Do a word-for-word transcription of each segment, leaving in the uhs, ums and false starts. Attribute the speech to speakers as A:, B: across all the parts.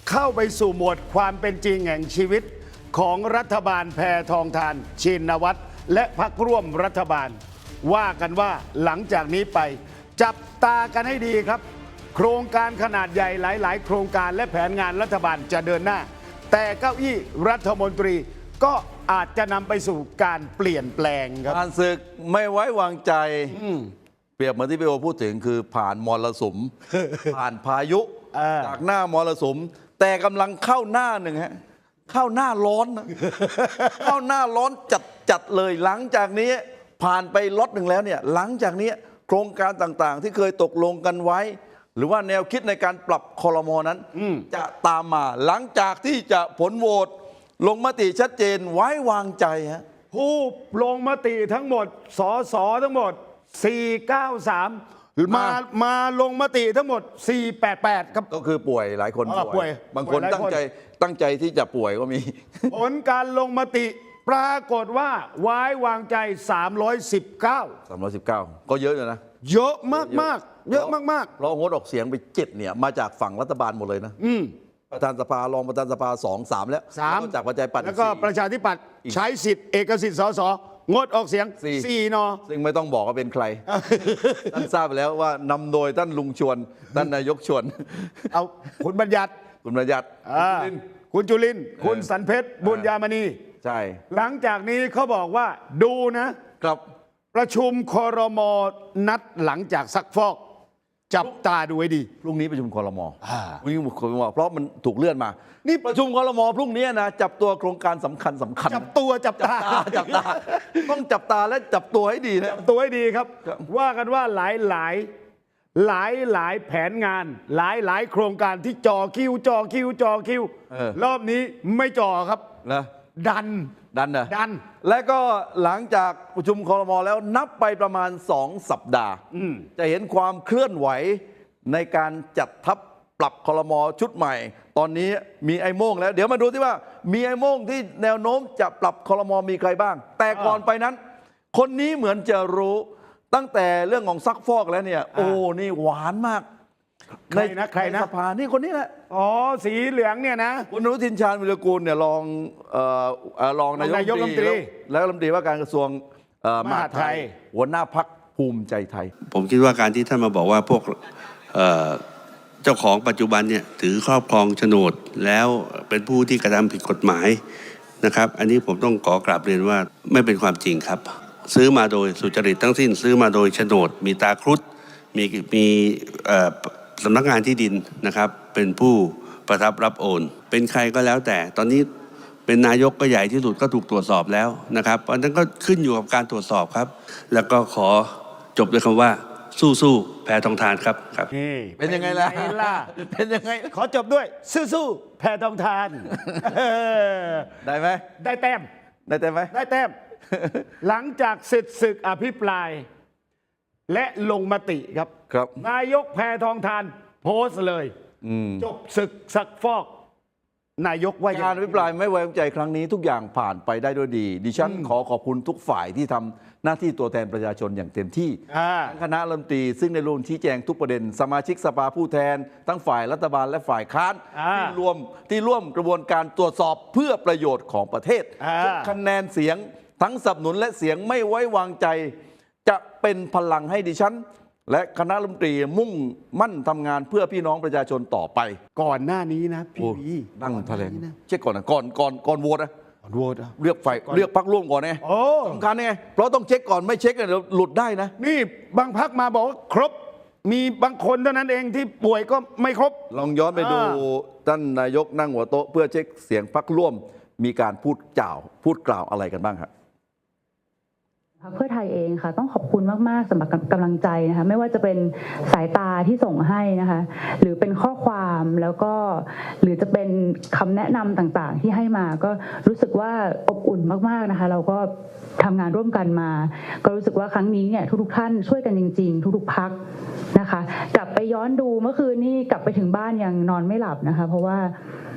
A: เข้าไปสู่โหมดความเป็นจริงแห่งชีวิตของรัฐบาลแพทองทานชินวัตรและพรรคร่วมรัฐบาล ว่ากันว่าหลังจากนี้ไปจับตากันให้ดีครับ โครงการขนาดใหญ่หลาย ๆ โครงการและแผนงานรัฐบาลจะเดินหน้า แต่เก้าอี้รัฐมนตรีก็อาจจะนำไปสู่การเปลี่ยนแปลงครับ
B: ผ่านศึกไม่ไว้วางใจเปรียบเหมือนที่พี่โอพูดถึงคือผ่านมรสุม ผ่านพายุ
A: เออ
B: จากหน้ามรสุม แต่กำลังเข้าหน้าหนึ่งฮะเข้าหน้าร้อนนะ เข้าหน้าร้อนจัดจัดเลยหลังจากนี้ผ่านไปล็อตหนึ่งแล้วเนี่ยหลังจากนี้โครงการต่างๆ ที่เคยตกลงกันไว้ หรือว่าแนวคิดในการปรับคอรมอนั้นจะตามมาหลังจากที่จะผลโหวตลงมติชัดเจนไว้วางใจฮะ
A: ผู้ลงมติทั้งหมดสสทั้งหมด สี่ร้อยเก้าสิบสาม มามาลงมติทั้งหมด สี่ร้อยแปดสิบแปด ครับ
B: ก็คือป่วยหลายคน
A: อ่าป่วย
B: บางคน
A: ป่วยหลายคน
B: ตั้งใจตั้งใจที่จะป่วยก็มี
A: ผลการลงมติปรากฏว่าไว้วางใจ สามร้อยสิบเก้า
B: สามร้อยสิบเก้า ก็เยอะอยู่นะ
A: เยอะมากมากๆเยอะมาก
B: เพราะงดออกเสียงไปเจ็ดเนี่ยมาจากฝั่งรัฐบาลหมดเลยนะ
A: ๆอืม
B: ประธานสภารองประธานสภาสองสามแล้ว
A: สาม
B: แล้วก็จากประชาธิปัตย์
A: แล้วก็
B: อีสี่
A: ประชาธิปัตย์ใช้สิทธิ์เอกสิทธิ์สสงดออกเสียง
B: สี่
A: สี่นอ
B: ซึ่งไม่ต้องบอกว่าเป็นใคร ท่านทราบไปแล้วว่านำโดยท่านลุงชวน ท่านนายกชวน
A: เอาคุณบัญญัติ
B: คุณประหยัด
A: อ่า
B: คุณ
A: คุณจุลินทร์คุณสันเพชรบุญยามณี
B: ใช่
A: หลังจากนี้เขาบอกว่าดูนะ
B: ครับ
A: ประชุมครมนัดหลังจากซักฟอก จับตาดูให้ดี
B: พรุ่งนี้ประชุมคอรมอ
A: อ่า
B: พรุ่งนี้คอรมอเพราะมันถูกเลื่อนมา นี่ประชุมคอรมอพรุ่งนี้นะจับตัวโครงการสำคัญสำคัญ
A: จับตัวจับตา
B: จับตา ต้องจับตาและจับตัวให้ดีนะ
A: ตัวให้ดีครับ
B: ครับ
A: ว่ากันว่าหลายหลายหลายหลายแผนงาน หลายหลายโครงการที่จอคิวจอคิวจอคิว
B: เออ
A: รอบนี้ไม่จอครับ
B: นะ
A: ดัน
B: ดันนะ
A: ดัน
B: และก็หลังจากประชุมคอรมอแล้วนับไปประมาณสองสัปดาห์
A: อืม
B: จะเห็นความเคลื่อนไหวในการจัดทัพปรับคอรมอชุดใหม่ ตอนนี้มีไอ้โม่งแล้ว เดี๋ยวมาดูที่ว่ามีไอ้โม่งที่แนวโน้มจะปรับคอรมอมีใครบ้าง แต่ก่อนไปนั้น คนนี้เหมือนจะรู้ตั้งแต่เรื่องของซักฟอกแล้วเนี่ย โอ้นี่หวานมาก
A: ใครนะใครนะ
B: สภานี่คนนี้แหละ
A: อ๋อสีเหลืองเนี่ยนะ
B: คุณอนุทินชาญวิรกูลเนี่ยรองเอ่อเอ่อรองนายก
A: รองนายกรัฐมนตรี
B: แล้วแล้วรัฐมนตรีว่าการกระทรวงเอ่อมหาดไทย
A: มหาดไทย
B: หัวหน้าพักภูมิใจไทย
C: ผมคิดว่าการที่ท่านมาบอกว่าพวกเอ่อเจ้าของปัจจุบันเนี่ยถือครอบครองโฉนดแล้วเป็นผู้ที่กระทำผิดกฎหมายนะครับ อันนี้ผมต้องขอกราบเรียนว่าไม่เป็นความจริงครับ ซื้อมาโดยสุจริตทั้งสิ้น ซื้อมาโดยโฉนด มีตาครุฑมีมีเอ่อสำนักงานที่ดินนะครับ เป็นผู้ประทับรับโอน เป็นใครก็แล้วแต่ตอนนี้เป็นนายกก็ใหญ่ที่สุดก็ถูกตรวจสอบแล้วนะครับเพราะฉะนั้นก็ขึ้นอยู่กับการตรวจสอบครับ แล้วก็ขอจบด้วยคำว่าสู้ๆแพทองทานครับครับ
A: นี่
B: เป็นยังไงล่ะ
A: เป็นล่ะ
B: เป็นยังไง
A: ขอจบด้วยสู้ๆแพทองทานเออ
B: ได้ไหม
A: ได้แต้ม
B: ได้แต่ไหม
A: ได้แต้ม หลังจากเสร็จศึกอภิปราย และลงมติครับ
B: ครับ
A: นายกแพทองทานโพสต์เลย
B: อืม
A: จบศึกซักฟอก นายกว่าอย่าง
B: การอภิปรายไม่ไว้วางใจครั้งนี้ทุกอย่างผ่านไปได้ด้วยดี ดิฉันขอขอบคุณทุกฝ่ายที่ทำหน้าที่ตัวแทนประชาชนอย่างเต็มที่
A: อ่า
B: ทั้งคณะรัฐมนตรีซึ่งในรวมชี้แจงทุกประเด็น สมาชิกสภาผู้แทน ทั้งฝ่ายรัฐบาลและฝ่ายค้าน
A: อ่า
B: ที่รวมที่ร่วมกระบวนการตรวจสอบเพื่อประโยชน์ของประเทศ
A: อ่า
B: ทุกคะแนนเสียงทั้งสนับสนุนและเสียงไม่ไว้วางใจ จะเป็นพลังให้ดิฉัน และคณะรัฐมนตรีมุ่งมั่นทำงานเพื่อพี่น้องประชาชนต่อไป
A: ก่อนหน้านี้นะพี่
B: โอ้
A: วี
B: นั่งแถลง
A: ก่อนหน้านี้นะ
B: เช็คก่อนนะก่อนก่อนก่อนโหวตนะ
A: ก่อนโหวตอะ
B: เลือกฝ่ายเลือกพักร่วมก่อนไง
A: โอ้
B: สำคัญไงเพราะต้องเช็คก่อนไม่เช็คเนี่ยเดี๋ยวหลุดได้นะ
A: นี่บางพักมาบอกว่าครบ มีบางคนเท่านั้นเองที่ป่วยก็ไม่ครบ
B: ลองย้อนไปดู
A: อ่า
B: ท่านนายกนั่งหัวโต๊ะเพื่อเช็คเสียงพักร่วม มีการพูดกล่าว พูดกล่าวอะไรกันบ้างครับ
D: พรรคเพื่อไทยเองค่ะต้องขอบคุณมากๆสำหรับกำลังใจนะคะไม่ว่าจะเป็นสายตาที่ส่งให้นะคะหรือเป็นข้อความแล้วก็หรือจะเป็นคำแนะนำต่างๆ ที่ให้มาก็รู้สึกว่าอบอุ่นมากๆนะคะเราก็ทำงานร่วมกันมา ก็รู้สึกว่าครั้งนี้เนี่ยทุกๆท่านช่วยกันจริงๆ ทุกๆพักนะคะกลับไปย้อนดูเมื่อคืนนี้กลับไปถึงบ้านยังนอนไม่หลับนะคะเพราะว่า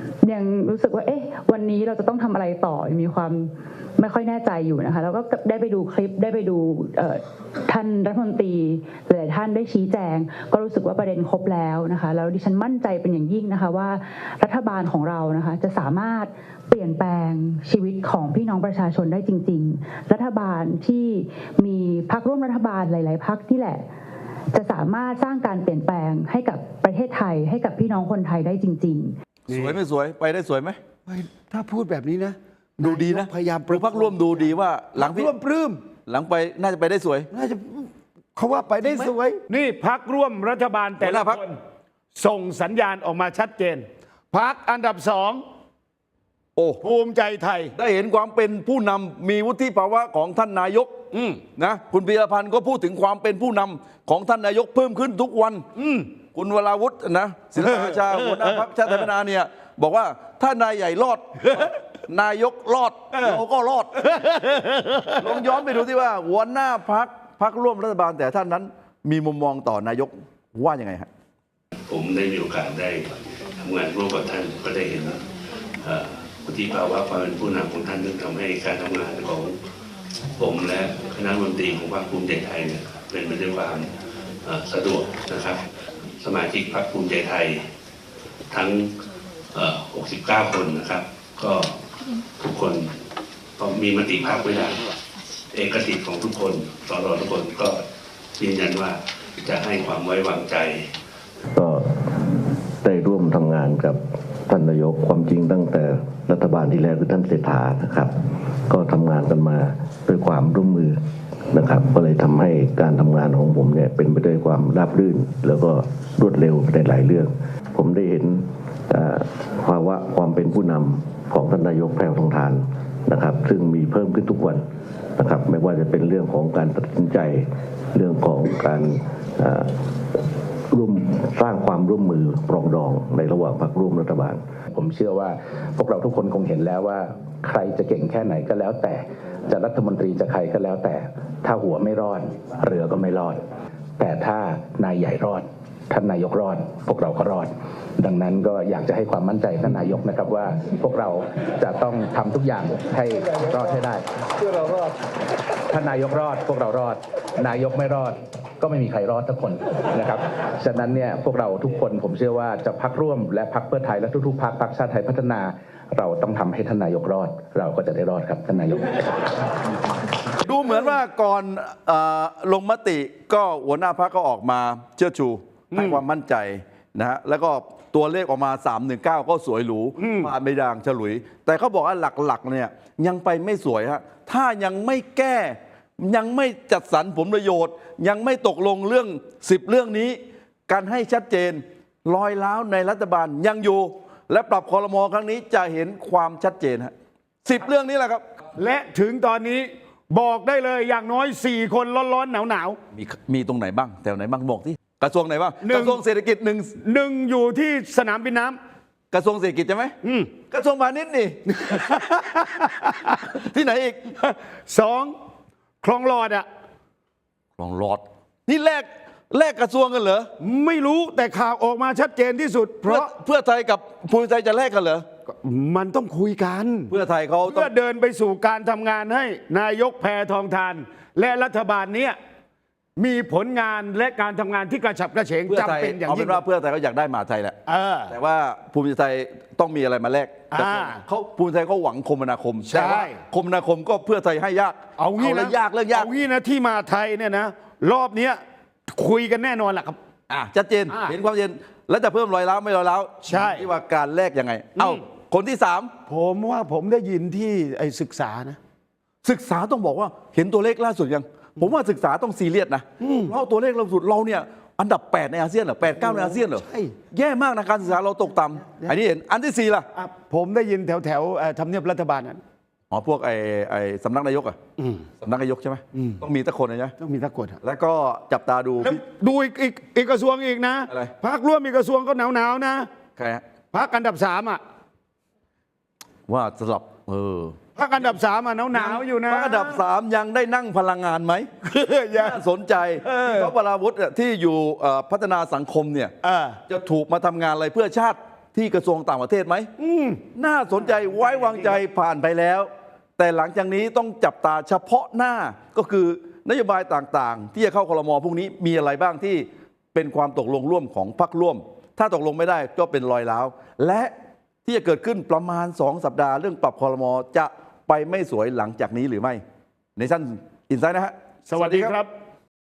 D: ยังรู้สึกว่าเอ๊ะวันนี้เราจะต้องทำอะไรต่อมีความไม่ค่อยแน่ใจอยู่นะคะแล้วก็ได้ไปดูคลิปได้ไปดูท่านรัฐมนตรีหลายท่านได้ชี้แจงก็รู้สึกว่าประเด็นครบแล้วนะคะแล้วดิฉันมั่นใจเป็นอย่างยิ่งนะคะว่ารัฐบาลของเรานะคะจะสามารถเปลี่ยนแปลงชีวิตของพี่น้องประชาชนได้จริงๆรัฐบาลที่มีพรรคร่วมรัฐบาลหลายๆพรรคที่แหละจะสามารถสร้างการเปลี่ยนแปลงให้กับประเทศไทยให้กับพี่น้องคนไทยได้จริงๆ
B: สวยไม่สวยไปได้สวยไหม
A: ถ้าพูดแบบนี้นะ
B: ดูดีนะ
A: พยายาม
B: หรือพักร่วมดูดีว่าหลังพี่
A: ร่วมปลื้ม
B: หลังไปน่าจะไปได้สวย
A: น่าจะเขาว่าไปได้สวย นี่พักร่วมรัฐบาลแต่
B: หัวห
A: ละ
B: น้าพรรค
A: คนส่งสัญญาณออกมาชัดเจนพักอันดับสอง
B: โอ้
A: ภูมิใจไทย
B: ได้เห็นความเป็นผู้นำมีวุฒิภาวะของท่านนายก
A: อืม
B: นะคุณพีรพันธ์ก็พูดถึงความเป็นผู้นำของท่านนายกเพิ่มขึ้นทุกวัน
A: อืม
B: คุณวราวุฒินะศิลปอาชาหัวหน้าพรรคชาติไทยพัฒนาเนี่ยบอกว่าถ้านายใหญ่รอด นายกรอดเราก็รอด ลองย้อนไปดูที่ว่าหัวหน้าพรรคพรรคร่วมรัฐบาลแต่ท่านนั้นมีมุมมองต่อนายกว่ายังไงฮะ
C: ผมได้มีโอกาสได้ทำงานร่วมกับท่านก็ได้เห็นเอ่อวุฒิภาวะความเป็นผู้นำของท่านซึ่งทำให้การทำงานของผมและคณะรัฐมนตรีของพรรคภูมิใจไทยเนี่ยเป็นไปด้วยความเอ่อสะดวกนะครับ สมาชิกพรรคภูมิใจไทยทั้งเอ่อหกสิบเก้า คนนะครับ ก็ทุกคนก็มีมติพรรคไว้แล้วเอกสิทธิ์ของทุกคนสรทุกคนก็ยืนยันว่าจะให้ความไว้วางใจ
E: ก็ได้ร่วมทำงานกับท่านนายกความจริงตั้งแต่รัฐบาลที่แล้วคือท่านเศรษฐานะครับ ก็ทำงานกันมาด้วยความร่วมมือนะครับ ก็เลยทำให้การทำงานของผมเนี่ยเป็นไปด้วยความราบรื่น แล้วก็รวดเร็วในหลายเรื่อง ผมได้เห็นภาวะความเป็นผู้นำของท่านนายกแพรทองทานนะครับ ซึ่งมีเพิ่มขึ้นทุกวันนะครับ ไม่ว่าจะเป็นเรื่องของการตัดสินใจเรื่องของการร่วมสร้างความร่วมมือปรองดองในระหว่างพรรคร่วมรัฐบาล
F: ผมเชื่อว่าพวกเราทุกคนคงเห็นแล้วว่าใครจะเก่งแค่ไหนก็แล้วแต่จะรัฐมนตรีจะใครก็แล้วแต่ถ้าหัวไม่รอดเรือก็ไม่รอด แต่ถ้านายใหญ่รอดท่านนายกรอดพวกเราก็รอด ดังนั้นก็อยากจะให้ความมั่นใจท่านนายกนะครับว่าพวกเราจะต้องทำทุกอย่างให้รอดให้ได้เพื่อเรารอดท่านนายกรอดพวกเรารอดนายกไม่รอดก็ไม่มีใครรอดทุกคนนะครับฉะนั้นเนี่ยพวกเราทุกคนผมเชื่อว่าจะพรรคร่วมและพรรคเพื่อไทยและทุกๆพรรคพรรคชาติไทยพัฒนาเราต้องทำให้ท่านนายกรอดเราก็จะได้รอดครับท่านนายก
B: ดูเหมือนว่าก่อนเออลงมติก็หัวหน้าพรรคก็ออกมาเชื่อชูให้ความมั่นใจนะฮะแล้วก็ตัวเลขออกมาสามหนึ่งเก้าก็สวยหรูผ่านไม่ด่างฉลุย แต่เขาบอกว่าหลักๆเนี่ยยังไปไม่สวยฮะถ้ายังไม่แก้ยังไม่จัดสรรผลประโยชน์ ยังไม่ตกลงเรื่องสิบเรื่องนี้การให้ชัดเจนรอยร้าวในรัฐบาลยังอยู่และปรับครม.ครั้งนี้จะเห็นความชัดเจนฮะสิบเรื่องนี้แหละครับ
A: และถึงตอนนี้บอกได้เลยอย่างน้อยสี่คนร้อนๆหนาว
B: มีมีตรงไหนบ้างแถวไหนบ้างบอกที่กระทรวงไหนบ้าง
A: หนึ่ง
B: กระทรวงเศรษฐกิจหนึ่ง
A: ๆหนึ่งอยู่ที่สนามบินน้ำ
B: กระทรวงเศรษฐกิจใช่ไหม
A: อืม
B: กระทรวงพาณิชย์นี่ ที่ไหนอีก
A: สองคลองหลอดอ่ะ
B: ลองรอด นี่แลกแลกกระทรวงกันเหรอ
A: ไม่รู้แต่ข่าวออกมาชัดเจนที่สุด เพ
B: เพื่อ
A: ราะ
B: เพื่อไทยกับภูมิใจจะแลกกันเหรอ
A: มันต้องคุยกัน
B: เพื่อไทยเขาต้อ
A: เพื่อง เดินไปสู่การทำงานให้นายกแพทองทาน และรัฐบาลเนี้ยมีผลงานและการทำงานที่กระฉับกระเฉง
B: เพื่อไท
A: จำ
B: ย
A: เป็นอย่าง
B: เอาเป็
A: ยิ่ง
B: นว่าเพื่อไทยเขาอยากได้มหาไทยแหละ
A: เออ
B: แต่ว่าภูมิใจไทยต้องมีอะไรมาแลก
A: อ่า
B: เขาภูมิใจเขาหวังคมนาคม
A: ใช่
B: แต่ว่าคมนาคมก็เพื่อไทยให้ยาก
A: เอางี้
B: แล้
A: นะ
B: วยากเรื่องยาก
A: เอางี้นะที่มาไทยเนี่ยนะรอบเนี้ยคุยกันแน่นอนแหละครับ
B: อ่ะชัดเจน
A: อ่า
B: เห็นความเย็นแล้วจะเพิ่มรอยร้าวไม่รอยร้าว
A: ใช่
B: ที่ว่าการแลกยังไง เอ้า
A: อืม
B: คนที่สาม
A: ผมว่าผมได้ยินที่ไอ้ศึกษานะ
B: ศึกษาต้องบอกว่าเห็นตัวเลขล่าสุดยัง ผมว่าศึกษาต้องซีเรียสนะเพราะตัวเลขล่าสุดเราเนี่ยอันดับแปดในอาเซียนเหรอแปดเก้าในอาเซียนเหรอ
A: ใช่
B: แย่มากนะการศึกษาเราตกต่ำอันนี้เห็นอันที่สี่ล่ะ
A: อ่ะผมได้ยินแถวแถวๆเอ่อทำเนียบรัฐบาลนั้น
B: อ๋อพวกไอ้ไอ้สำนักนายกอะสำนักนายกใช่ไหมต้องมีตะคนนะใช่ไหม
A: ต้องมีทักกฎอะ
B: แล้วก็จับตาดู
A: แล้วดูอีกอีกอีกกระทรวงอีกนะ
B: อะไร
A: พักร่วมอีกกระทรวงก็หนาวหนาวๆนะ
B: ใครฮะ
A: พักอันดับสามอ่ะ
B: ว่าสลับเออ
A: พักอันดับสามอ่ะหนาวหนาวๆอยู่นะ
B: พรรคอันดับสามยังได้นั่งพลังงานไหม
A: อย่า
B: น่าสนใจ
A: เออ
B: เพราะวราวุฒิที่อยู่เอ่อพัฒนาสังคมเนี่ย
A: เออ
B: จะถูกมาทำงานอะไรเพื่อชาติที่กระทรวงต่างประเทศไหมน่าสนใจไว้วางใจผ่านไปแล้ว แต่หลังจากนี้ต้องจับตาเฉพาะหน้าก็คือนโยบายต่างๆ ที่จะเข้าครม.พวกนี้มีอะไรบ้างที่เป็นความตกลงร่วมของพรรคร่วม ถ้าตกลงไม่ได้ก็เป็นรอยร้าวและที่จะเกิดขึ้นประมาณสองสัปดาห์เรื่องปรับครม.จะไปไม่สวยหลังจากนี้หรือไม่ในสั้นอินไซด์นะฮะ
A: สวัสดีครับ